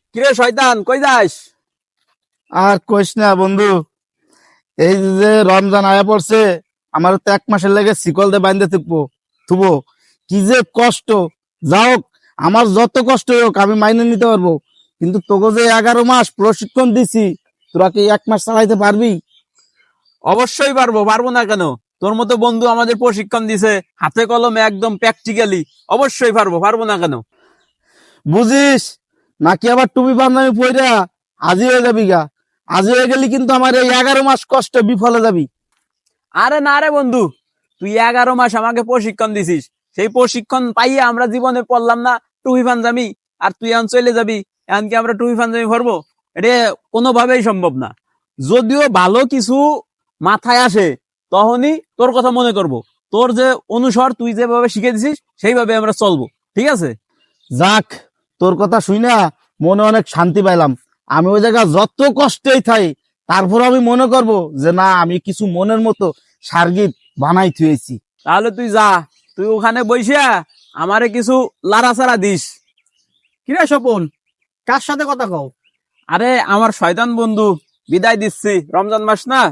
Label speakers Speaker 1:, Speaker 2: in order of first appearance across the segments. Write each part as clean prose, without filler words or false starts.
Speaker 1: কিরে শয়তান, কই যাস?
Speaker 2: আর কইস না বন্ধু, এই যে রমজান আয়া পড়ছে, আমার তো 1 মাসের লেগে শিকল দিয়ে বাইন্ধে থুবো। কি যে কষ্ট! যাও, আমার যত কষ্ট হোক আমি মাইনে নিতে পারবো, কিন্তু তোকে যে 11 মাস প্রশিক্ষণ দিছি, তোরা কি 1 মাস চালাইতে পারবি?
Speaker 1: অবশ্যই পারবো, পারবো না কেন? তোর মতো বন্ধু আমাদের প্রশিক্ষণ দিছে হাতে কলমে, একদম প্র্যাকটিক্যালি। অবশ্যই পারবো, পারবো না কেন?
Speaker 2: বুঝিস নাকি আবার টুপি পাঞ্জাবি পইরা আজি হয়ে যাবি গা? আজি হয়ে গেলি কিন্তু আমার এই 11 মাস কষ্ট বিফলে যাবি।
Speaker 1: আরে না রে বন্ধু, তুই 11 মাস আমাকে প্রশিক্ষণ দিছিস, সেই প্রশিক্ষণ পাইয়ে আমরা জীবনে পড়লাম না টুপি পাঞ্জাবি, আর তুই এখন চলে যাবি। এখন কি আমরা টুপি পাঞ্জাবি ভরবো? এটা কোনোভাবেই সম্ভব না। যদিও ভালো কিছু মাথায় আসে, তখনই তোর কথা মনে করব। তোর যে অনুসর, তুই যেভাবে শিখে দিছিস সেইভাবে আমরা চলবো, ঠিক আছে?
Speaker 2: যাক, তোর কথা শুই না মনে অনেক শান্তি পাইলাম। আমি ওই জায়গা যত কষ্টেই থাই, তারপর আমি মনে করব যে না, আমি কিছু মনের মতো সার্গিত বানাই থুয়েছি।
Speaker 1: তাহলে তুই যা, তুই ওখানে বইসা আমারে কিছু লাড়াচাড়া দিস।
Speaker 3: কিরে স্বপন, কার সাথে কথা কও?
Speaker 1: আরে আমার শয়তান বন্ধু, বিদায় দিচ্ছি, রমজান মাস না।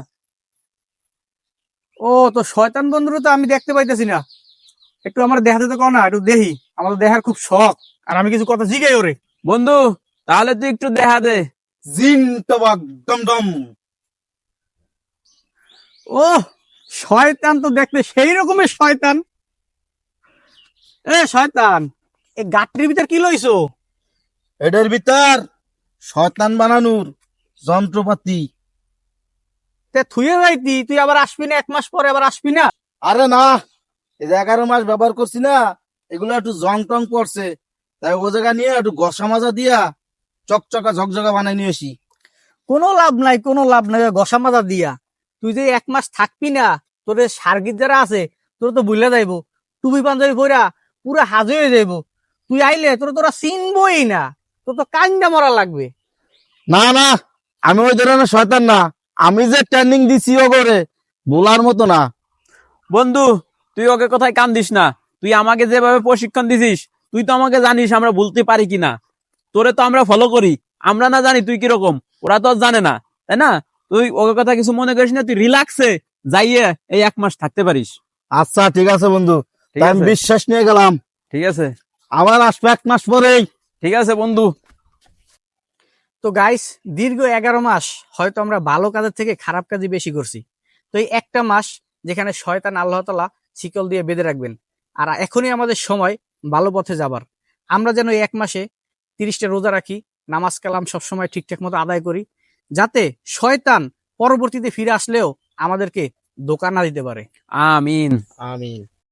Speaker 3: ও তো শয়তান বন্ধুরে তো আমি দেখতে পাইতেছি না। একটু আমার দেখাতে তো কও না, একটু দেখি। আমার তো দেখার খুব শখ, আর আমি কিছু কথা জিগাই ওরে।
Speaker 1: বন্ধু, তাহলে তুই একটু দেখা দে।
Speaker 2: জিন তবাক দমদম।
Speaker 3: ও, শয়তান তো দেখতে সেই রকমের শয়তান। এ শয়তান, এই গাঠটির ভিতর কি লইছো?
Speaker 2: এটার ভিতর শয়তান বানানোর যন্ত্রপাতি।
Speaker 3: তে থুয়ে যাইতি, তুই আবার আসবি না? 1 মাস পরে আবার আসবি না?
Speaker 2: আরে না, এই যে 11 মাস ব্যবহার করছি না, এগুলো একটু জং টং পড়ছে, তাই ও জায়গা নিয়ে একটু ঘষা মাজা দিয়া চকচকা ঝকঝকা বানাই নিয়ে আসি।
Speaker 3: কোনো লাভ নাই, কোনো লাভ নাই ওই ঘষা মাজা দিয়া। তুই যে 1 মাস থাকবি না, তোর সার্গিত যারা আছে তোর তো বুঝলে যাইবো। টুপি পাঞ্জাবি পরা পুরো হাজে হয়ে যাইবো। তুই আইলে তোরা চিনবই না, তোর তো কান্দা মরা লাগবে।
Speaker 2: না না, আমি ওই ধরনের শয়তান না। আমি যে ট্রেনিং দিছি ও করে বলার মতো না।
Speaker 1: বন্ধু, তুই ওকে কোথায় কান দিস না। তুই আমাকে যেভাবে প্রশিক্ষণ দিছিস, তুই তো আমাকে জানিস আমরা ভুলতে পারি কিনা। তোরে তো আমরা ফলো করি, আমরা না জানি তুই কিরকম, ওরা তো আর জানে না, তাই না? তুই ওকে কথা কিছু মনে করিস না, তুই রিল্যাক্সে যাইয়ে এই 1 মাস থাকতে পারিস।
Speaker 2: আচ্ছা ঠিক আছে বন্ধু,
Speaker 1: ঠিক
Speaker 2: তাই আমি
Speaker 1: আছে,
Speaker 2: বিশ্বাস নিয়ে গেলাম।
Speaker 1: ঠিক আছে,
Speaker 2: আবার আসবে 1 মাস পরেই।
Speaker 1: ঠিক আছে বন্ধু।
Speaker 3: তো গাইস, দীর্ঘ 11 মাস হয়তো আমরা ভালো কাজের থেকে খারাপ কাজই বেশি করছি। তো এই একটা মাস যেখানে শয়তান আল্লাহ তাআলা শিকল দিয়ে বেঁধে রাখবেন, আর এখনই আমাদের সময় ভালো পথে যাবার। আমরা যেন এই 1 মাসে 30টা রোজা রাখি, নামাজ কালাম সবসময় ঠিকঠাক মতো আদায় করি, যাতে শয়তান পরবর্তীতে ফিরে আসলেও আমাদেরকে ধোঁকা না দিতে পারে।
Speaker 1: আমিন।
Speaker 2: আমিন।